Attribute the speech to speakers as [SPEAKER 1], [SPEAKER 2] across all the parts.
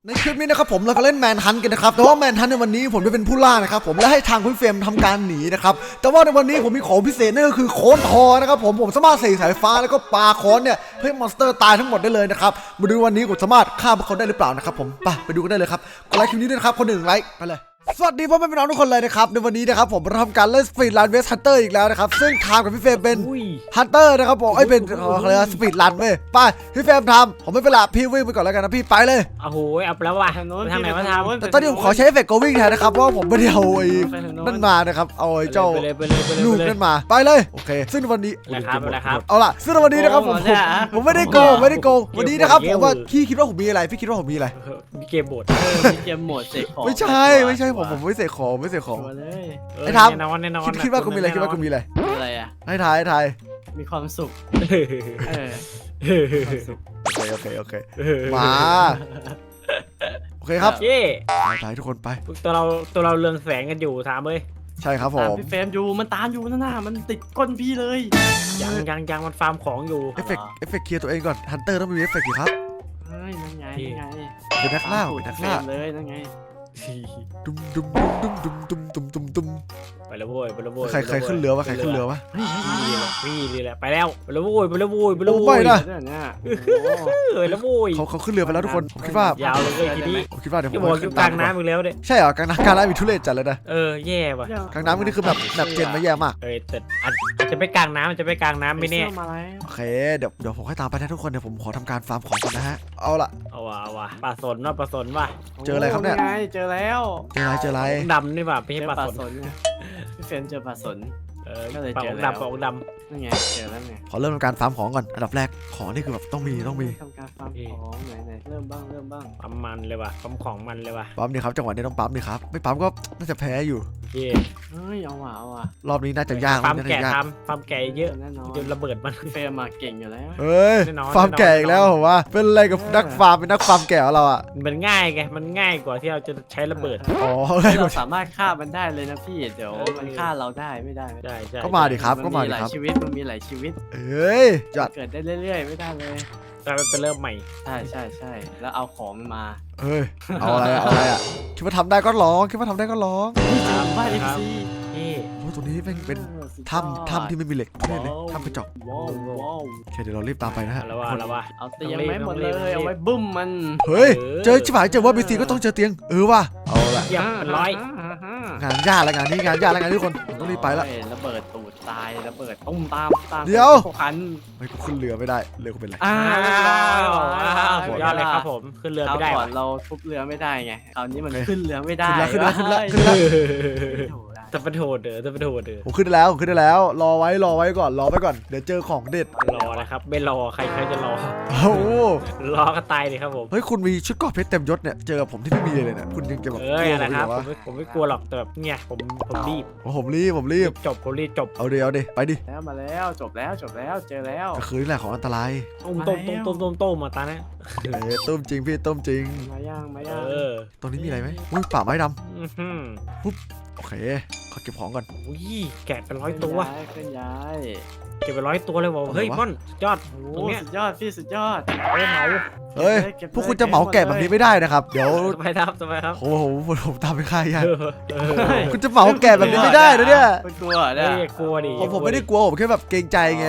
[SPEAKER 1] ในคลิปนี้นะครับผมเราก็เล่นแมนฮันต์กันนะครับแต่ว่าแมนฮันต์ในวันนี้ผมจะเป็นผู้ล่านะครับผมและให้ทางคุณเฟรมทำการหนีนะครับแต่ว่าในวันนี้ผมมีของพิเศษนั่นก็คือโค้นทอนะครับผมสามารถเสกสายฟ้าแล้วก็ปาโค้นเนี่ยเพื่อมอนสเตอร์ตายทั้งหมดได้เลยนะครับมาดูวันนี้ผมสามารถฆ่าพวกเขาได้หรือเปล่านะครับผมไปดูกันได้เลยครับกดไลค์คลิปนี้ด้วยนะครับคนหนึ่งไลค์ไปเลยสวัสดีพ่อแม่พี่น้องทุกคนเลยนะครับในวันนี้นะครับผมเราทำการเล่นสปีดรันเวสฮันเตอร์อีกแล้วนะครับซึ่งทามกับพี่เฟรมเป็นฮันเตอร์นะครับผมเป็นอะไรสปีดรันเว้ยไปพี่เฟรมทำผมไม่เป็นไรพี่วิ่งไปก่อนแล้วกันนะพี่ไปเลย
[SPEAKER 2] โอ้โหเอาแล้วว่ะทางไหนมาทำ
[SPEAKER 1] แต่ตอนนี้ผมขอใช้เอฟเฟกต์โกวิ่งแทนนะครับเพราะว่าผมไม่ได้เอาไอ้นั่นมานะครับเอาไอ้เจ้าลูกนั่นมาไปเลยโอเคซึ่งวันนี้เอาล่ะซึ่งวันนี้นะครับผมไม่ได้โกงวันนี้นะครับผมว่าพี่คิดว่าผมมีอะไรพี่คิดว่าผมมีอะไร
[SPEAKER 2] มีเกมโหมด
[SPEAKER 1] เสกของไม่ใช่ผมไม่เสกของไอ้ทำคิดว่ากูมีอะไร
[SPEAKER 3] อะไรอ่ะ
[SPEAKER 1] ให้ทาย
[SPEAKER 3] มีความสุข
[SPEAKER 1] โอเคมาโอเคครับไปทุกคนไป
[SPEAKER 2] ตัวเราเรืองแสงกันอยู่ถามเลย
[SPEAKER 1] ใช่ครับผม
[SPEAKER 3] พี่เฟรมอยู่มันตามอยู่น่ะมันติดก้นพี่เลย
[SPEAKER 2] ยังมันฟาร์มของอยู่
[SPEAKER 1] เอฟเฟกต์เคลียร์ตัวเองก่อนฮันเตอร์ต้องมีเอฟเฟกต์อยู่ครับ
[SPEAKER 3] นั่นไง
[SPEAKER 1] เป็นนักล่า
[SPEAKER 3] เลยนั่นไง
[SPEAKER 1] ดุม
[SPEAKER 2] ไปแล้วโว้ย
[SPEAKER 1] ใครขึ้นเรือวะ
[SPEAKER 2] พี่แหละไปแล้วโว้ยไปแล้วโว้ย
[SPEAKER 1] ไปนะ
[SPEAKER 2] แล้วโว้ย
[SPEAKER 1] เขาขึ้นเรือไปแล้วทุกคนผมคิดว่าย
[SPEAKER 2] าวเลยทีนี้
[SPEAKER 1] ผมคิดว่าเดี๋ยวผม
[SPEAKER 2] ขึ้นกลางน้ำอีกแล้วเนี่ย
[SPEAKER 1] ใช่เหรอกลางน้ำมีทุเรศจัดเลยนะ
[SPEAKER 2] แย่ว่ะ
[SPEAKER 1] กลางน้ำนี่คือแบบเจนมาแย่มาก
[SPEAKER 2] แต่อาจจะไปกลางน้ำไม่แน่
[SPEAKER 1] โอเคเดี๋ยวผมให้ตามไปนะทุกคนเดี๋ยวผมขอทำการฟาร์มของก่อนนะฮะเอาว่ะ
[SPEAKER 2] ปลาสนว่ะ
[SPEAKER 1] เจออะไรครับเนี่ย
[SPEAKER 3] เจอแล้ว
[SPEAKER 1] เจออะไร
[SPEAKER 2] ดำนี่ป่ะไม่ใช่ปลาสน
[SPEAKER 3] พี่เฟรมเจอปลาสน
[SPEAKER 2] ก็เลยเจอปลาดำ
[SPEAKER 3] นั่นไงเจอแล้วไง
[SPEAKER 1] ขอเริ่มทำการฟาร์มของก่อนอันดับแรกของนี่คือแบบต้องมี
[SPEAKER 3] ทำการฟาร์มของไหนเริ่มบ้าง
[SPEAKER 2] ปั๊มมันเลยว่ะปั๊มของมันเลยว่ะ
[SPEAKER 1] ปั๊มดีครับจังหวะนี้ต้องปั๊มดีครับไม่ปั๊มก็น่าจะแพ้อยู่
[SPEAKER 3] เอาว่ะ
[SPEAKER 1] รอบนี้น่าจะยาก
[SPEAKER 2] ปั๊มแก่ปั๊มแก่เยอะจนระเบิดมัน
[SPEAKER 3] เฟรมมาเก่งอยู่แล้ว
[SPEAKER 1] ฟาร์มแก่อีกแล้วผมว่าเป็นอะไรกับนักฟาร์มเป็นนักฟาร์มแก่เราอ่ะ
[SPEAKER 2] มันง่ายไงมันง่ายกว่าที่เราจะใช้ระเบิด
[SPEAKER 3] เราสามารถฆ่ามันได้เลยนะพี่เดี๋ยวมันฆ่าเราได้ไม่ได้
[SPEAKER 1] ก็มาดิครับ
[SPEAKER 3] มันมีหลายชีวิต
[SPEAKER 1] จัด
[SPEAKER 3] เกิดได้เรื่อยๆไม่ได้เลย
[SPEAKER 2] ไปเริ่มใหม่
[SPEAKER 3] ใช่แล้วเอาของมา
[SPEAKER 1] เอาอะไรอ่ะคิดว่าทำได้ก็ร้อง
[SPEAKER 3] บ้านเอฟซี
[SPEAKER 1] ตรงนี้เป็นถ้ำที่ไม่มีเหล็กเลยถ้ำกระจกโอเคเดี๋ยวเรารีบตามไปนะฮะ
[SPEAKER 2] แล้วว่า
[SPEAKER 3] เอาเตียงไม่หมดเลยเอาไว้บึ้มมัน
[SPEAKER 1] เฮ้ยเจอชิบหายเจอว่าบีซีก็ต้องเจอเตียงว่ะ
[SPEAKER 2] เอาละเป็นร้อย
[SPEAKER 1] งานยากแล้วงานทุกคนต้องรีบไปละ
[SPEAKER 3] ระเบิดตูดตายระเบิดตุ้มตาม
[SPEAKER 1] เดี๋ยว
[SPEAKER 3] ขัน
[SPEAKER 1] ไม่กูขึ้นเรือไม่ได้เรือกูเป็นไร
[SPEAKER 2] ยอดเลยครับผมขึ้นเรือไม่ได้
[SPEAKER 3] ก่อนเราทุบเรือไม่ได้ไงคราวนี้มันขึ้นเรือไม่ได้
[SPEAKER 1] ขึ้นแล้ว
[SPEAKER 2] จะไปโทษเด้อ
[SPEAKER 1] ผมขึ้นได้แล้วรอไว้ก่อนเดี๋ยวเจอของเด็ด
[SPEAKER 2] รอนะครับไม่รอใครจะรอรอก็ตายเลยครับผม
[SPEAKER 1] เฮ้ยคุณมีชุดเกราะเพชรเต็มยศเนี่ยเจอกับผมที่ไม่มีเลยเนี่ยคุณยังจะแบบ
[SPEAKER 2] นะครับผมไม่กลัวหรอกแต่แบบเนี่ยผมรีบ
[SPEAKER 1] ผมรีบ
[SPEAKER 2] จบ
[SPEAKER 1] เอาดิไปดิ
[SPEAKER 3] แล้วมาแล้วจบแล้วเจอแล้ว
[SPEAKER 1] ก็คือนี่แหละของอันตราย
[SPEAKER 2] ต้มมาตานะ
[SPEAKER 1] ต้มจริงพี่ต้มจริง
[SPEAKER 3] มาย่าง
[SPEAKER 1] ตรงนี้มีอะไรไหมป่าไม้ดำปุ๊บโอเคขอเก็บของก่อน
[SPEAKER 2] แกะเป็น100 ตัว
[SPEAKER 3] เคลื่อนย้าย
[SPEAKER 2] เก็บไป100 ตัวเลยบอกเฮ้ยม่อนยอด
[SPEAKER 3] ตรงนี้สุดยอดพี่สุดยอด
[SPEAKER 1] เฮ้ยพวกคุณจะเหมาแกะแบบนี้ไม่ได้นะครับเดี๋ยว
[SPEAKER 2] ไปครับ
[SPEAKER 1] โอ้โหผมตามไปค่ายยังคุณจะเหมาแกะแบบนี้ไม่ได้นะเนี่ย
[SPEAKER 3] กลัว
[SPEAKER 2] ดิ
[SPEAKER 1] ผมไม่ได้กลัวผมแค่แบบเกรงใจไง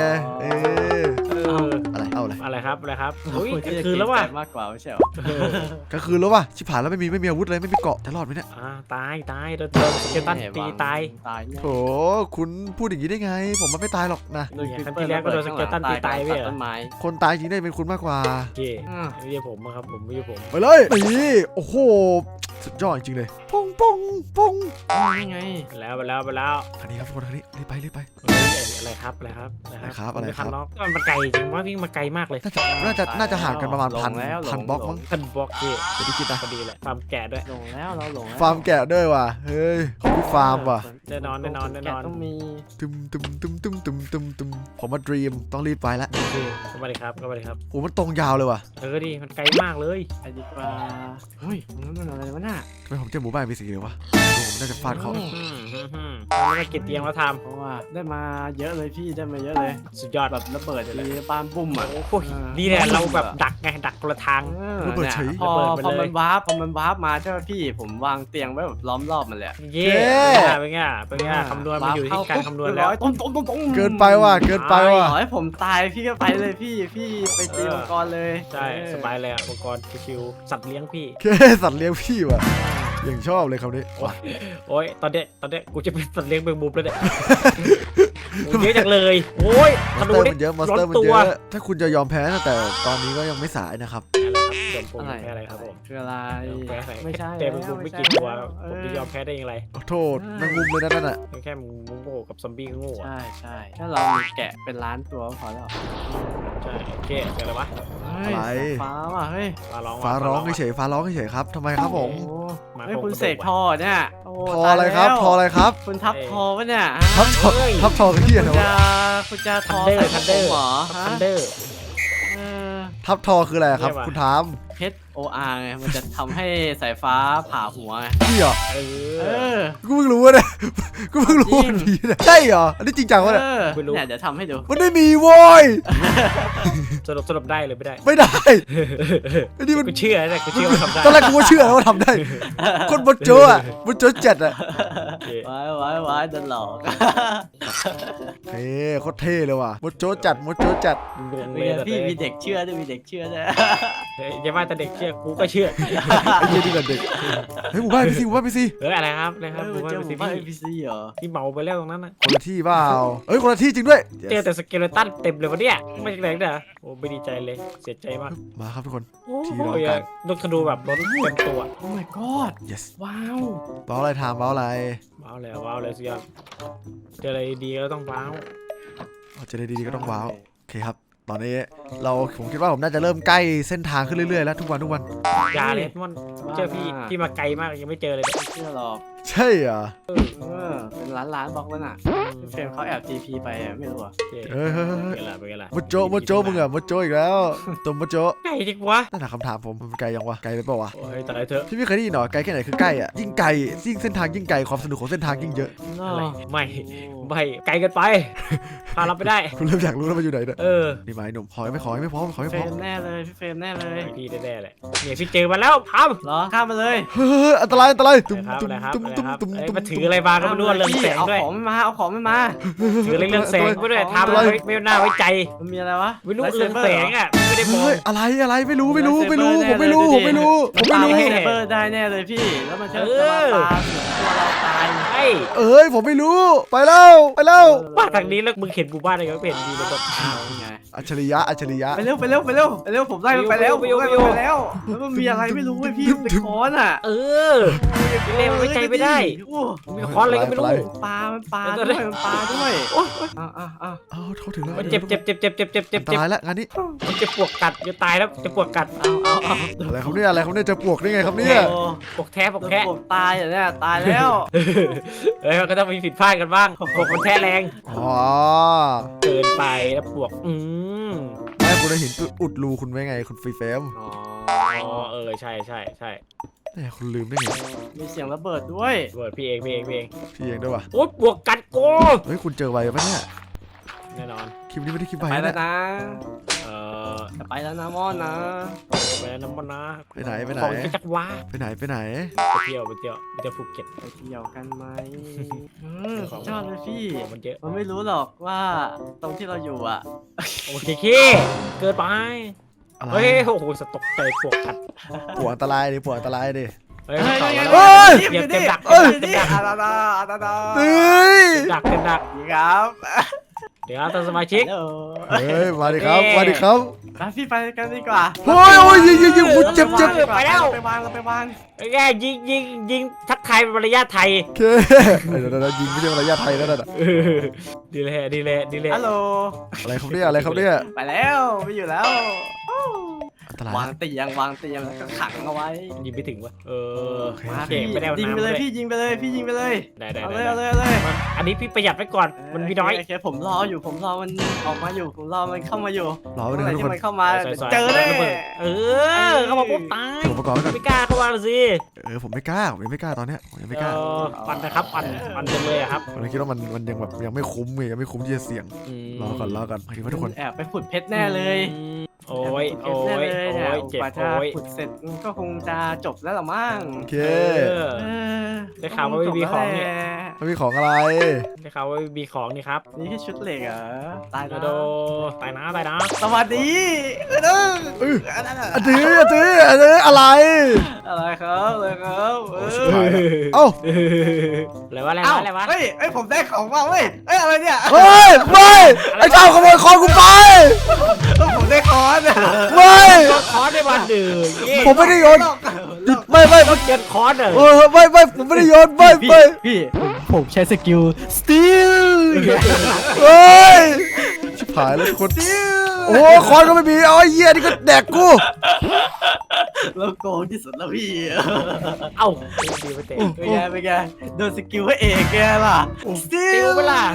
[SPEAKER 1] อะไรครับ
[SPEAKER 2] คือแล้วว่ะ
[SPEAKER 3] มากกว่าไม่ใช่หรอ
[SPEAKER 1] ก็คือแล้วว่ะชิบหายแล้วไม่มีอาวุธเลยไม่มีเกาะจะรอดไหมเนี่ย
[SPEAKER 2] ตายโดนเจตันตีตาย
[SPEAKER 1] โอ้คุณพูดอย่างนี้ได้ไงผมมันไม่ตายหรอกนะ
[SPEAKER 2] ครั้งที่แล้วก็โดนเจตันตีตายไป
[SPEAKER 1] คนตายจริงได้เป็นคุณมากกว่า
[SPEAKER 2] ไม่ใช่ผมครับผมไม่ใช่ผม
[SPEAKER 1] ไปเลยนี่โอ้โหสุดยอดจริงเลยปง
[SPEAKER 3] ไง
[SPEAKER 2] แล้ว
[SPEAKER 1] อันนี้ครับทุกคนอันนี้รีบไป
[SPEAKER 2] อะไรครับ
[SPEAKER 1] มัน
[SPEAKER 2] ไกลจริงว่าวิ่งมาไกลมากเลย
[SPEAKER 1] น่าจะห่างกันประมาณพันบล็อกมั้ง
[SPEAKER 2] 1,000 บล็อก
[SPEAKER 1] เดี๋ยวพี่คิดนะ
[SPEAKER 2] พอดีแหละฟาร์มแกะด้วย
[SPEAKER 3] ลงแล้ว
[SPEAKER 1] ฟาร์มแกะด้วยว่ะเฮ้ยพี่ฟาร์มว่ะ
[SPEAKER 2] แน่นอน
[SPEAKER 3] ต้องมี
[SPEAKER 1] ผมมาดรีมต้องรีบไปแล้ว
[SPEAKER 2] เข้ามาเลยครับ
[SPEAKER 1] โอ้มันตรงยาวเลยว่ะ
[SPEAKER 2] ดิมันไกลมากเลย
[SPEAKER 3] ไปดีกว่าเฮ้ยนั่นอะไรวะน่ะ
[SPEAKER 1] ทำไมผมเจอหมู่บ้านมีสีเลยวะผมน่าจะฟาดเขา
[SPEAKER 2] ไม่ได้เก็บเตียงแล้วท
[SPEAKER 3] เพราะว่าได้มาเยอะเลยพี่ได้มาเยอะเลย
[SPEAKER 2] ำสุดยอด
[SPEAKER 3] แบบระเบิดทีบ้านบุ้มอ่ะ
[SPEAKER 2] โอ้ยนี่แหละเราแบบดักไงดักคนละทาง
[SPEAKER 3] เนี่ยพอมันวาร์ปมาใช่ไหมพี่ผมวางเตียงไว้แบบล้อมรอบมันเลย
[SPEAKER 2] เย่เป็นไงเป็นไงคำนวณมันอยู่ที่การคำนวณแล้ว
[SPEAKER 3] ตุ้ม
[SPEAKER 1] เกินไปว่ะเกินไปว่ะ
[SPEAKER 3] ขอให้ผมตายพี่ก็ไปเลยพี่ไปตีมังกรเลย
[SPEAKER 2] ใช่สบายเลยอ่ะอุปกรณ์ชิวๆสัตว์เลี้ยงพี่
[SPEAKER 1] แค่สัตว์เลี้ยงพี่ว่ะยังชอบเลยคำนี้
[SPEAKER 2] โอ้ยตอนเนี้ยกูจะเป็นสัตว์เลี้ยงแมงมุมแล้วเนี่ยเยอะจังเลยโอ้ย
[SPEAKER 1] ม
[SPEAKER 2] ธ
[SPEAKER 1] อนส
[SPEAKER 2] นู
[SPEAKER 1] เตอร์
[SPEAKER 2] นี่
[SPEAKER 1] มันเยอะมอนส
[SPEAKER 2] ร้อ
[SPEAKER 1] เตอน ร์มัน
[SPEAKER 2] ตั
[SPEAKER 1] เยว อะ
[SPEAKER 2] อะ
[SPEAKER 1] ถ้าคุณจะยอมแพ้นะแต่ตอนนี้ก็ยังไม่สายนะครับ
[SPEAKER 2] ส่วนผมแพ้อะไรครับผม
[SPEAKER 3] คืออะไร
[SPEAKER 2] แพ้อะไร
[SPEAKER 3] ไม่ใช่
[SPEAKER 2] แต่แมงมุมไม่กี่ตัวผมจะยอมแพ้ได้ยังไง
[SPEAKER 1] ขอโทษแมงมุมเลยนะนั่นน่ะ
[SPEAKER 2] แค่แมงมุมโง่กับซอมบี้ก็โง่อะ
[SPEAKER 3] ใช่ถ้าเรามีแกะเป็นล้านตัวก็พอแล้ว
[SPEAKER 2] ใช่โอเคเกิดอะไรวะ
[SPEAKER 3] ฟ้าว่ะเฮ้ย
[SPEAKER 1] ฟ้าร้องเฉยๆฟ้าร้องเฉยๆครับทำไมครับผม
[SPEAKER 3] เฮ้ยคุณเสกทอเนี่ย
[SPEAKER 1] ทออะไรครับทออะไรครับ
[SPEAKER 3] คุณทับทอปะเนี่ย
[SPEAKER 1] ทับทอทับทอคือที่อะไรวะ
[SPEAKER 3] คุณจะท
[SPEAKER 2] ทั
[SPEAKER 3] อน
[SPEAKER 2] เดอ
[SPEAKER 3] ใส่
[SPEAKER 2] ร์ทันเดอร์
[SPEAKER 3] หรอ
[SPEAKER 2] ทันเดอร์
[SPEAKER 1] ทับทอคืออะไรครับคุณถาม
[SPEAKER 3] HOR ไงมันจะทำให้สายฟ้าผ่าหัวไง
[SPEAKER 1] พี่เหรอ
[SPEAKER 2] เอ
[SPEAKER 3] เอ
[SPEAKER 2] อ
[SPEAKER 3] อ
[SPEAKER 1] กูเพิ่งรู้ว่าเนี่ยกูเพิ่งรู้ว่ามันมีเนี่ยใช่เหรออันนี้จริงจังวะเนี่ย
[SPEAKER 3] เนี่ยเดี๋ยวทำให้ดู
[SPEAKER 1] มันไม่มีโว้ย
[SPEAKER 2] สรุปได้เลยไม่ได้
[SPEAKER 1] ไม่ได้อันนี้มัน
[SPEAKER 2] กูเชื่อแต่กูเชื่อว่าทำได้
[SPEAKER 1] ตอนแรกกูก็เชื่อแล้วว่าทำได้ คนบนโจ๊ะอะบนโจ๊ะเจ็ดอะ
[SPEAKER 3] ไว้จะหลอก
[SPEAKER 1] เฮ้โคตรเท่เลยว่ะบนโจ๊ะจัดบนโจ๊ะจัด
[SPEAKER 2] งงเลย
[SPEAKER 3] พี่มีเด็กเชื่อด้วยมีเด็กเชื่อด้วย
[SPEAKER 2] อย่าว่าแต่เด็กเชื่อกูก็เชื่อ
[SPEAKER 1] ไอ้เหี้ยนี่กันเด็กเฮ้ยหมู่บ้านพี่ซีหมู่บ้านพี่ซี
[SPEAKER 2] อะไรครับนะครับผมว่า
[SPEAKER 3] เจอ
[SPEAKER 2] เป็น
[SPEAKER 3] บ้าน
[SPEAKER 2] สิ่ง
[SPEAKER 3] พีซีเหรอ
[SPEAKER 2] ที่เมาไปแล้วตรงนั้นนะ
[SPEAKER 1] คนละที่เปล่าเอ้ยคนละที่จริงด้วย
[SPEAKER 2] เจอแต่สเกเลตันเต็มเลยวะเนี่ยไม่ใช่แรงนะโอ้ไม่ดีใจเลยเสียใจมาก
[SPEAKER 1] มาครับทุกคน
[SPEAKER 2] โอ้
[SPEAKER 1] ที่เรา
[SPEAKER 2] ย
[SPEAKER 1] กัน
[SPEAKER 2] ลูกธนูแบบล้นเต็มตัว
[SPEAKER 3] โอ้ my god
[SPEAKER 1] yes
[SPEAKER 3] ว้าว
[SPEAKER 1] เบ้าอะไรทามเบ้าอะไร
[SPEAKER 2] ว้าวเลยสุดยอดเจออะไรดีก็ต้องว้าว
[SPEAKER 1] เอาจะได้ดีๆก็ต้องว้าวโอเคครับตอนนี้ผมคิดว่าผมน่าจะเริ่มใกล้เส้นทางขึ้นเรื่อยๆแล้วทุกวัน
[SPEAKER 2] ยาเลยมันเจอพี่มาไกลมากยังไม่เจอเลย
[SPEAKER 3] ไม่เชื่อหรอก
[SPEAKER 1] ใช่เหรอ
[SPEAKER 3] เป็นล้านบล็อกแล้วน่ะพี่เฟรมเขาแอบ TP ไปไม่รู้อ่ะ
[SPEAKER 1] เฮ้ย
[SPEAKER 2] เป็นไงล่ะ
[SPEAKER 1] มดโจ๊ะมึงอะมดโจ๊ะอีกแล้วตัวมดโจ๊ะ
[SPEAKER 2] ไกลจริงวะ
[SPEAKER 1] นั่นแหละคำถามผมมันไกลยังวะไกลไปเปล่าวะ
[SPEAKER 2] โอ้ยตายเถอะ
[SPEAKER 1] พี่ไม่เคยได้ยินหรอไกลแค่ไหนคือใกล้อะยิ่งไกลยิ่งเส้นทางยิ่งไกลความสนุกของเส้นทางยิ่งเยอะ
[SPEAKER 2] อะไรไม่ไกลเกินไปพาเราไปได้
[SPEAKER 1] คุณเริ่มอยากรู้แล้วมันอยู่ไหนเนี่ย
[SPEAKER 2] เออ
[SPEAKER 1] นี่มาไอ้หนุ่มขอให้ไม่พร้อมขอให้ไม่พ
[SPEAKER 3] เฟร
[SPEAKER 1] ร้อม
[SPEAKER 3] มแน่เลยพี่เฟรมแน่เลย
[SPEAKER 2] พี่แน่ๆเลยเนี่ยพี่เจอมาแล้วพับ
[SPEAKER 3] เหรอข้ามมาเลย
[SPEAKER 1] เฮ้ยอันตรายตุ้ม
[SPEAKER 2] ครับ
[SPEAKER 1] ตุ้ม
[SPEAKER 2] นะครับ
[SPEAKER 1] ตุ้มตุ้มตุ้ม
[SPEAKER 2] มาถืออะไรมาก็ไม่รู้เรื่องแสง
[SPEAKER 3] เอา
[SPEAKER 2] ด้วย
[SPEAKER 3] ของไม่มาเอาของไม่มา
[SPEAKER 2] ถือเรื่องแสงก็ด้วยทำไม่น่าไว้ใจ
[SPEAKER 3] มันมีอะไรวะ
[SPEAKER 2] ไม่รู้เรื่องแสงอ่ะไม่ได้มอง
[SPEAKER 1] เฮ้ยอะไรไม่รู้ผมไม่รู้
[SPEAKER 3] ไซเบอร์ได้แน่เลยพี่แล้วมันจะมาปาตัวเราตาย
[SPEAKER 2] ไอ้
[SPEAKER 1] เอ้ยผมไม่รู้ไปแล้ว
[SPEAKER 2] ว่าทางนี้แล้วมึงเห็นหมู่บ้านอะไรก็เห็นดีเลยแบบ
[SPEAKER 3] ไง
[SPEAKER 1] อัจฉริยะ
[SPEAKER 3] ไปเร็วผมไล่มันไปแล้วแล้วมันมีอะไรไม่รู้เว้ยพี่เป็นค้อนอ่ะ
[SPEAKER 2] เออเล่นไว้ใจไม่ได้มีคอนอะไรก็ไม่รู้
[SPEAKER 3] ปลาด้วย
[SPEAKER 1] อ้าวเขาถึงแล้ว
[SPEAKER 2] เจ็บ
[SPEAKER 1] อันตรายแล้วงานนี้
[SPEAKER 2] มันจะปวกกัดจะตายแล้วจะปวกกัด
[SPEAKER 1] อะไรครับเนี่ยจะปวกได้ไงครับเนี่ย
[SPEAKER 2] ปวกแท้ปวกแท้
[SPEAKER 3] ผมตายอ่ะเนี่ยตายแล้ว
[SPEAKER 2] เอ้ยก็ต้องมีผิดพลาดกันบ้างปวกมันแท้แรง
[SPEAKER 1] อ๋อ
[SPEAKER 2] เกินไปแล้วปวก
[SPEAKER 1] ไม่คุณเห็นอุดรูคุณไว้ไงคุณฟรีเฟม
[SPEAKER 2] อ๋อใช่
[SPEAKER 1] เนี่ยคุณลืมได้ไง
[SPEAKER 3] มีเสียงระเบิดด้วย
[SPEAKER 2] เบิร์ดพี่เอง
[SPEAKER 1] พี่เองด้วยวะ
[SPEAKER 2] โอ๊ยปวกกัดโก
[SPEAKER 1] เฮ้ยคุณเจอไวปะเนี่ย
[SPEAKER 2] แน่นอน
[SPEAKER 1] คลิปนี้ไม่ได้คลิปไว
[SPEAKER 3] ไปแล้
[SPEAKER 1] นะ
[SPEAKER 3] วนะ
[SPEAKER 2] เออ
[SPEAKER 3] จะไปแล้วนะมอนนะ
[SPEAKER 2] ไปน้ำมันนะ
[SPEAKER 1] ไปไหน
[SPEAKER 2] ของจะจักว้า
[SPEAKER 1] ไปไหน
[SPEAKER 2] ไปเที่ยวภูเก็ต
[SPEAKER 3] ไปเที่ยวกันไหมชอบเลยพี่
[SPEAKER 2] มันเยอะ
[SPEAKER 3] มันไม่รู้หรอกว่าตรงที่เราอยู่อ่ะ
[SPEAKER 2] โอเคเกินไป
[SPEAKER 1] อะไร
[SPEAKER 2] เฮ้ยโอ้โหสตกใจปวกกัด
[SPEAKER 1] ปวดอันตรายดิ
[SPEAKER 2] เฮ้ย
[SPEAKER 3] เต็มดัก
[SPEAKER 1] เฮ้ย
[SPEAKER 3] เต็มดัก
[SPEAKER 1] เฮ้ย
[SPEAKER 2] ดัก
[SPEAKER 3] ครับ
[SPEAKER 2] เดี๋ยวท่านสมาชิก
[SPEAKER 1] เฮ้ยมาดิครับ
[SPEAKER 3] ไปพี่ไปกันดีกว่า
[SPEAKER 1] โอ้ยยิงคุณเจ็บ
[SPEAKER 3] ไปแล้วไปวาง
[SPEAKER 2] แกยิงทักทายเป็นมารยาทไทย
[SPEAKER 1] โอเคเดี๋ยวยิงไม่ใช่มารยาทไทยนั่นน่ะ
[SPEAKER 2] ดีเลย
[SPEAKER 3] ฮัลโหล
[SPEAKER 1] อะไรครับเนี่ย
[SPEAKER 3] ไปแล้วไม่อยู่แล้ว
[SPEAKER 1] อันตรายว
[SPEAKER 3] างเตียงแล้วก็ขังเอาไว้
[SPEAKER 2] ยิงไม่ถึงวะ
[SPEAKER 3] มา
[SPEAKER 2] เก่งไม่ได้
[SPEAKER 3] ยิงไปเลยพี่ยิงไปเลย
[SPEAKER 2] ได้
[SPEAKER 3] เอาเลย
[SPEAKER 2] นนี้พี่ประหยัดไว้ก่อนมันมีน้อย
[SPEAKER 3] โอเคผมรอมันออกมาอยู่ผมรอมันเข้ามาอยู่
[SPEAKER 1] รอไป
[SPEAKER 3] เมื่อ
[SPEAKER 1] เล
[SPEAKER 3] ไหร่
[SPEAKER 1] ยทุก
[SPEAKER 3] ที่
[SPEAKER 1] คน
[SPEAKER 3] มันเข้ามา
[SPEAKER 2] ซอยๆ
[SPEAKER 3] เจอแน่
[SPEAKER 2] ระเบิดเข้ามาปุ๊บตาย
[SPEAKER 1] อุปกรณ์ไว้ก่อน
[SPEAKER 2] ไม่กล้าเข้ามาเลยสิ
[SPEAKER 1] ผมไม่กล้าผมยังไม่กล้าตอนเนี้ยผมยังไม่กล้า
[SPEAKER 2] ปั่นนะครับปั่นจังเลยอะครับ
[SPEAKER 1] ผมเลยคิดว่ามันยังแบบยังไม่คุ้มไงยังไม่คุ้มที่จะเสี่ยงรอก่อนหมายถึงว่าทุกคน
[SPEAKER 3] แอบไปขุดเพชรแน่เลย
[SPEAKER 2] โอ้ย
[SPEAKER 3] แอบไปขุดเพชรแน่เลยเนี่ย
[SPEAKER 2] เจ็บ
[SPEAKER 3] กว่าจะ
[SPEAKER 2] โอ้ย
[SPEAKER 3] ขุดเสร็จก็คงจะจบแล้วหรอมั้ง
[SPEAKER 1] โอเค
[SPEAKER 2] ได้ข่าวว่าไม่มีของเนี่ย
[SPEAKER 1] มันมีของอะไร
[SPEAKER 2] ได้ข่าวว่ามีของนี่ครับ
[SPEAKER 3] นี่แค่ชุดเหล็กเหรอตาย
[SPEAKER 2] โด
[SPEAKER 3] แล้ว
[SPEAKER 2] โดไปนะ
[SPEAKER 3] สวัสดี
[SPEAKER 1] อันนี้อะไร
[SPEAKER 3] อะไรครับ
[SPEAKER 1] เอ้า
[SPEAKER 2] อะไรวะ
[SPEAKER 3] เฮ้ยผมได้ของมาเว้ยอะไรเนี่ย
[SPEAKER 1] เฮ้ยไม่ไอ้เจ้าขโมยคอนกูไป
[SPEAKER 3] ผมได้คอน
[SPEAKER 1] ไม่
[SPEAKER 2] คอนได้วันหนึ่ง
[SPEAKER 1] ผมไม่ได้โยนไม่
[SPEAKER 2] เขาเกียนคอนเหรอ
[SPEAKER 1] ไม่ผมไม่ได้โยนไม่
[SPEAKER 3] พี่ผมใช้สกิล steal
[SPEAKER 1] เฮ้ยชิบหายแล้วทุกคนโอ้คอนก็ไม่มีเอาไอ้เหี้ยนี่ก็แดกกู
[SPEAKER 3] แล้วโกงที่สุดแล้วพี่
[SPEAKER 2] เอ้าดีไปเตะ
[SPEAKER 3] เป็นไงโดนสกิลพระเอกแกล่ะ
[SPEAKER 2] ติวเวลา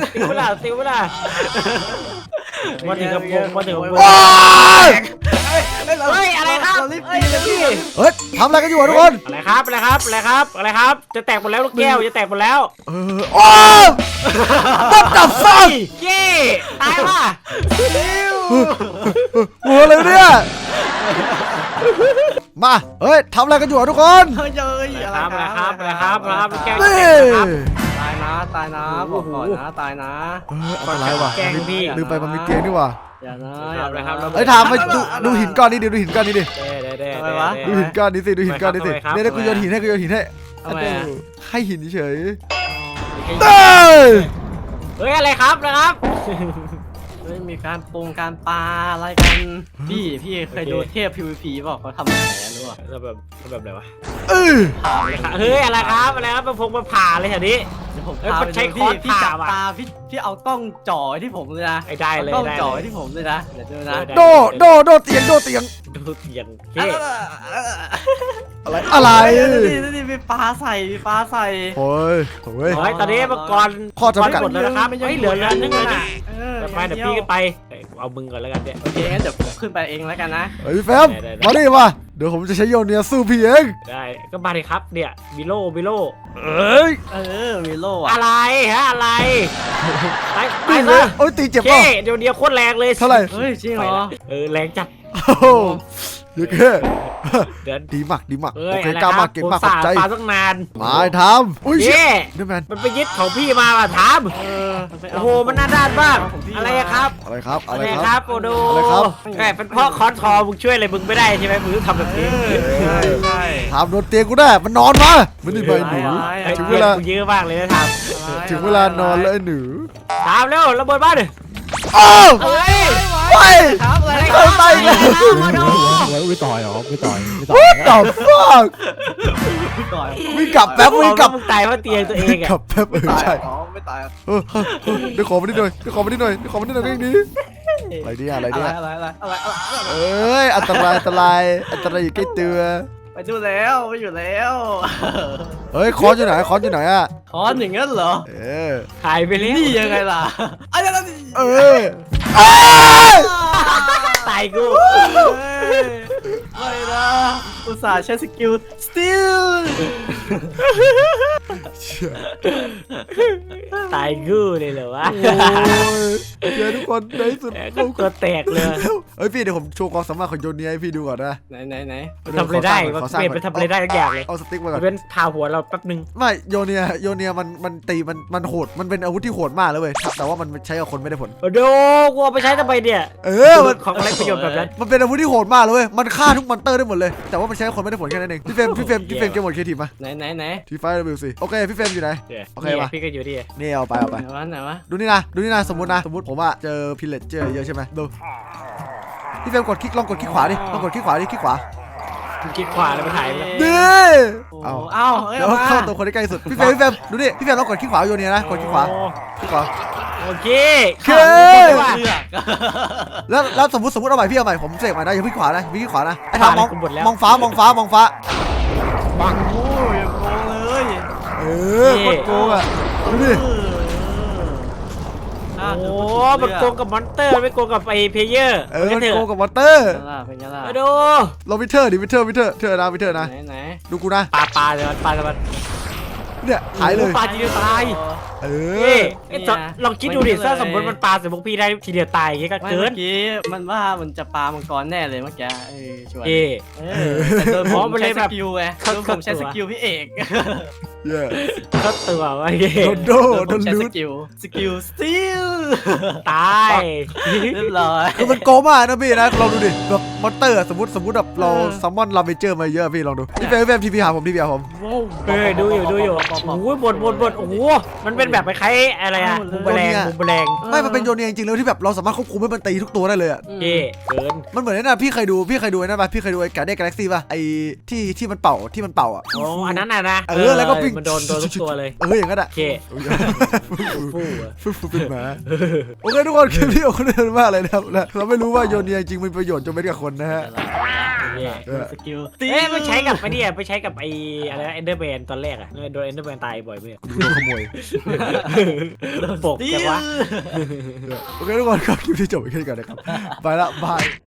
[SPEAKER 2] มาถึงกับวงมาถึงกับวง
[SPEAKER 1] ว้าย
[SPEAKER 2] เฮ้ยอะไรครับ
[SPEAKER 3] เรารีบตีเลยพี่
[SPEAKER 1] เฮ้ยทำอะไรกันอยู่ทุกคน
[SPEAKER 2] อะไรครับจะแตกหมดแล้วลูกแก้วจะแตกหมดแล้ว
[SPEAKER 1] โอ้ตับตับฟัง
[SPEAKER 2] เย้ตายว่ะ
[SPEAKER 1] หัวเลยเนี่ยมาเฮ้ยทำอะไรกันอยู่ทุกคน
[SPEAKER 3] เฮ้ยอะไร
[SPEAKER 2] ครับลูกแก้ว
[SPEAKER 1] นี่
[SPEAKER 3] ตายนะบอกก่อนนะตายนะ
[SPEAKER 1] อันตรายว่ะ
[SPEAKER 2] แกล้งพี่
[SPEAKER 1] ลืมไปมันมีเตียงนี่ว่ะ
[SPEAKER 3] อย่านะ
[SPEAKER 2] ครับ
[SPEAKER 1] เฮ้ยถามไปดูหินก้อนนี้ดิดูหินก้อนนี้ดิ
[SPEAKER 2] เด้
[SPEAKER 1] ดูหินก้อนนี้สิดูหินก้อนนี้สิเนี่ยกูโยนหินให้
[SPEAKER 3] ทำไม
[SPEAKER 1] ให้หินเฉย
[SPEAKER 2] เฮ้ยอะไรครับนะครับ
[SPEAKER 3] เฮ้ยมีการปรุงการปลาอะไรกันพี่เคยดูเทพ PVP บอกเขาทำอะไรรู้ป่ะ
[SPEAKER 2] แบบอะไรวะ
[SPEAKER 1] เออ
[SPEAKER 2] เฮ้ยอะไรครับมาผ่าเลยแถวนี้
[SPEAKER 3] เดี๋ยวผม
[SPEAKER 2] เอ้ย
[SPEAKER 3] พา
[SPEAKER 2] มัน
[SPEAKER 3] ไป
[SPEAKER 2] ใช้
[SPEAKER 3] ดู
[SPEAKER 2] ค้อน
[SPEAKER 3] พี่จับ
[SPEAKER 2] ผ่าว่ะ
[SPEAKER 3] ตาพี่เอากล้องจ่อที่ผมเลยนะ
[SPEAKER 2] ได้เลย
[SPEAKER 3] กล้อง
[SPEAKER 2] ได้
[SPEAKER 3] จ่อ
[SPEAKER 2] เลย
[SPEAKER 3] ที่ผมเลยนะเดี๋ยวดูนะ
[SPEAKER 1] โดเตียง
[SPEAKER 2] ดูเตียงเฮ้
[SPEAKER 1] อะไร
[SPEAKER 3] นี่มีปลาใส่
[SPEAKER 1] โอ้ย
[SPEAKER 2] ยตอนนี้มาก่อน
[SPEAKER 1] ข้อจำกัด
[SPEAKER 2] หมดแล้วนะครับ
[SPEAKER 3] มันยัง
[SPEAKER 2] เหลือนึงเลยนะ
[SPEAKER 3] เ
[SPEAKER 2] ไปเดี๋ยวพี่ก็ไปเอามึงก่อนแล้วกันเนี่ย
[SPEAKER 3] โอเคงั้นเดี๋ยวผมขึ้นไปเองแล้วกันนะ
[SPEAKER 1] เฮ้ยพี่แฟมมาดิมาเดี๋ยวผมจะใช้โยเนียสู้พี่เอง
[SPEAKER 2] ได้ก็มาเลยครับเนี่ยวิโล
[SPEAKER 1] เอ้ย
[SPEAKER 3] มีโล่อะ
[SPEAKER 2] อะไรฮะอะไรไป
[SPEAKER 1] ตีเล
[SPEAKER 2] ซะ
[SPEAKER 1] ยโอ้ยตีเจ็บ
[SPEAKER 2] เจ๊
[SPEAKER 1] ป่ะ
[SPEAKER 2] เดี๋ยวเดียวโคตรแรงเลย
[SPEAKER 1] เท่าไหร่
[SPEAKER 3] เฮ้ยจริงเหรอ
[SPEAKER 2] แรงจัด
[SPEAKER 1] โอ้โหเยอะแค่
[SPEAKER 2] เดิน
[SPEAKER 1] ดีมาก
[SPEAKER 2] เอ้
[SPEAKER 1] โอย เคกล้ามากเก่งมากขอบใจ
[SPEAKER 2] ปาตั้งนาน
[SPEAKER 1] มาทำอุ้ย
[SPEAKER 2] เจ๊
[SPEAKER 1] นี่แมน
[SPEAKER 2] มันไปยึดของพี่มาว่ะถาม โอ้โหมันน่าด้านมากอะไรอะครับ
[SPEAKER 1] อะไรครับ
[SPEAKER 2] อะไรครับโอโด
[SPEAKER 1] อะไรครับ
[SPEAKER 2] แหมเป็นพ่อคอนทอมึงช่วยอะไรมึงไม่ได้ใช่ไหมมึงต้องทำแบบนี้
[SPEAKER 3] ใช่
[SPEAKER 1] ทำโดนเตียงกูได้มันนอนมาไม่ได้ไปหนู
[SPEAKER 2] ไอ้
[SPEAKER 1] ถึง
[SPEAKER 2] เว
[SPEAKER 1] เว
[SPEAKER 2] ลา
[SPEAKER 1] ลา
[SPEAKER 2] เยอะมากเลยนะถาม
[SPEAKER 1] ถึงเวลานอนแล้วไอ้หนู
[SPEAKER 2] ถามเร็วระเบิดบ้านดิ
[SPEAKER 1] อ้าว
[SPEAKER 2] เฮ้ย
[SPEAKER 1] ไป
[SPEAKER 3] ครับอะไร
[SPEAKER 1] เข้าไปอีกแล้ว
[SPEAKER 4] ไม่ต่อยเหรอไม่ต่อย
[SPEAKER 1] What the fuck
[SPEAKER 3] ก่อน
[SPEAKER 1] วิ่งกลับแป๊บวิ่งกลับ
[SPEAKER 2] มึงตายเพราะเตียงตัวเองอะ
[SPEAKER 1] กลับแป๊บใช่
[SPEAKER 3] ไม่ตาย
[SPEAKER 1] เดี๋ยวขอมานิดหน่อยเดี๋ยวขอมานิดหน่อยเรื่องนี้อะไรเนี่ยอะไรเนี่ย
[SPEAKER 3] อะไร
[SPEAKER 1] เอ้ยอันตรายอยู่ใกล้ตัว
[SPEAKER 3] ไปดูแล้วไปอยู่แล้ว
[SPEAKER 1] เฮ้ยคอนอยู่ไหนอ่ะ
[SPEAKER 3] คอนอย่างนั้นเหรอ
[SPEAKER 1] เออ
[SPEAKER 2] หายไปแล้ว
[SPEAKER 3] นี่ยังไงล่ะอะไรล่ะ
[SPEAKER 1] เออเอ้ย
[SPEAKER 2] ตายกู
[SPEAKER 3] ไม่นะอุตส่าห์ใช้สกิล steal
[SPEAKER 2] ตายกูเลยเหรอวะ
[SPEAKER 1] โอ้ยเจอทุกคนในที่สุด
[SPEAKER 2] ก็ตัวแตกเลย
[SPEAKER 1] เฮ้ยพี่เดี๋ยวผมโชว์ความสามารถของโยเนียให้พี่ดูก่อนนะ
[SPEAKER 3] ไหน
[SPEAKER 2] ทำอะไรได้มันเปลี่ยนไปทำอะไรได้ทุกอย่างเลย
[SPEAKER 1] เอาสติ๊กมาก่อน
[SPEAKER 2] เป็นผ่าหัวเราแป๊บนึง
[SPEAKER 1] ไม่โยเนียมันตีมันโหดมันเป็นอาวุธที่โหดมากเลยเว้ยแต่ว่ามันใช้กับคนไม่ได้ผล
[SPEAKER 2] โอ้โหกูเอาไปใช้ทำไมเนี่ย
[SPEAKER 1] มัน
[SPEAKER 2] ของอะไรประโยชน์แบบนั้น
[SPEAKER 1] มันเป็นอาวุธที่โหดมากเลยเว้ยมันฆ่าทุกมอนเตอร์ได้หมดเลยแต่ว่ามันใช้กับคนไม่ได้ผลแค่นั้นเองพี่เฟรมเกมหมดเคทีมา
[SPEAKER 3] ไหน
[SPEAKER 1] ทีไฟเวลสิโอเคพี่เฟรมอยู่ไหน โอเคปะ
[SPEAKER 2] พี่ก็อยู่ดิ
[SPEAKER 1] นี่เอาไป
[SPEAKER 3] ไหนวะ
[SPEAKER 1] ดูนี่นะสมมติผมอะเจอพิลเลตเจอเยอะใช่ไหมดูพี่เฟรมลองกดคลิกขวาดิคลิกขวา
[SPEAKER 2] มึงคิดขวาแล้วไปถ่ายแล้ว
[SPEAKER 1] ดิ
[SPEAKER 3] เอา
[SPEAKER 1] เดี๋ยวเข้าตัวคนที่ใกล้สุดพี่เฟรมดูดิพี่เฟรมลองกดคลิกขวาโยเนียนะกดคลิกขวา
[SPEAKER 2] โอเค
[SPEAKER 1] แล้วสมมติเอาใหม่พี่เอาใหม่ผมเสกใหม่นะอย่าพี่ขวานะไอ้ทางมองฟ้า
[SPEAKER 3] โอ้ยโกงเลย
[SPEAKER 1] โคตรโกงอะดูดิ
[SPEAKER 2] โอ้มันโกงกับมอนเตอร์ไม่โกงกับไอเพลเยอร์
[SPEAKER 1] มันโกงกับวอเตอร์
[SPEAKER 3] เป็นไงล่ะ
[SPEAKER 2] มาดู
[SPEAKER 1] เราวิเทอร์ดิวิเทอร์นะวิเทอร์นะ
[SPEAKER 3] ไหน
[SPEAKER 1] ดูกูนะ
[SPEAKER 2] ปลาเลยมันปลามัน
[SPEAKER 1] เนี่ยหายเลย
[SPEAKER 2] ปลาทีเดียวตาย
[SPEAKER 1] เอ
[SPEAKER 2] เอ้
[SPEAKER 1] อ
[SPEAKER 2] ไอ้ลองคิดดูดิถ้าสมมติมันปลาใส่พวกพี่ได้ทีเดียวตายอย่างเงี้ยก็
[SPEAKER 3] ไม่
[SPEAKER 2] เกิ
[SPEAKER 3] เมื่
[SPEAKER 2] น
[SPEAKER 3] อกี้มันว่ามันจะปามังกรแน่เลยเมื่อกี้ชวน
[SPEAKER 2] เอ้
[SPEAKER 3] แต่โดนผม
[SPEAKER 2] มันเล
[SPEAKER 3] ใช้
[SPEAKER 2] ย
[SPEAKER 3] ส
[SPEAKER 2] แบบ
[SPEAKER 3] กิลไงโดนผมใช้สกิลพี่เอก
[SPEAKER 1] เย้
[SPEAKER 2] ก็ตัววะเ
[SPEAKER 1] โดนโด
[SPEAKER 3] โดน
[SPEAKER 1] น
[SPEAKER 3] ใช้
[SPEAKER 1] ลู
[SPEAKER 3] ส
[SPEAKER 1] ด
[SPEAKER 3] กิลสติล
[SPEAKER 2] ตาย
[SPEAKER 3] เรียบร้อย
[SPEAKER 1] คือมันโกงมากนะพี่นะลองดูดิแบบมอนเตอร์สมมติแบบเราซัมมอนลาเมเจอร์มาเยอะพี่ลองดูพี่เฟมทีพีหาผมทีพีหาผม
[SPEAKER 2] เฮ้ยดูอยู่โอ้ยบดโอ้โหมันเป็นแบบคล้ายๆอะไรอะมุมแมลง
[SPEAKER 1] ไม่มันเป็นโยนเนียจริงๆแล้วที่แบบเราสามารถควบคุมให้มันตีทุกตัวได้เลยอ่ะ
[SPEAKER 2] เย่เกิน
[SPEAKER 1] มันเหมือนนั่นพี่เคยดูไอ้นั่นป่ะพี่เคยดูไอ้การ์เด้กาแล็กซี่ป่ะไอ้ที่มันเป่าอ่ะ
[SPEAKER 2] โอ้อันนั้นน่ะนะ
[SPEAKER 1] แล้วก็วิ่ง
[SPEAKER 2] มันโดนทุกตัวเลย
[SPEAKER 1] อย่างนั้นอ่ะ
[SPEAKER 2] โอเคฟู่
[SPEAKER 1] ฟูเป็นหมาโอเคทุกคนคลิปนี้ของคนเดินมากเลยนะครับเราไม่รู้ว่าโยนเนียจริงมีประโยชน์จนเป็นกับคนนะฮะ
[SPEAKER 3] สกิล
[SPEAKER 2] เอ๊ะไม่ใช้กับไอ้นี่ไปใช้กับไอ้อะไรเอนเดอร์แมนตอนแรกอะโดนเอนเดอร์แมนตายบ่อยไหม
[SPEAKER 1] ดูโดนขโมย
[SPEAKER 2] ปกแต่ว่า
[SPEAKER 1] โอเคทุกคนครับคลิปที่จบไปแค่นี้ก่อนนะครับไปละบาย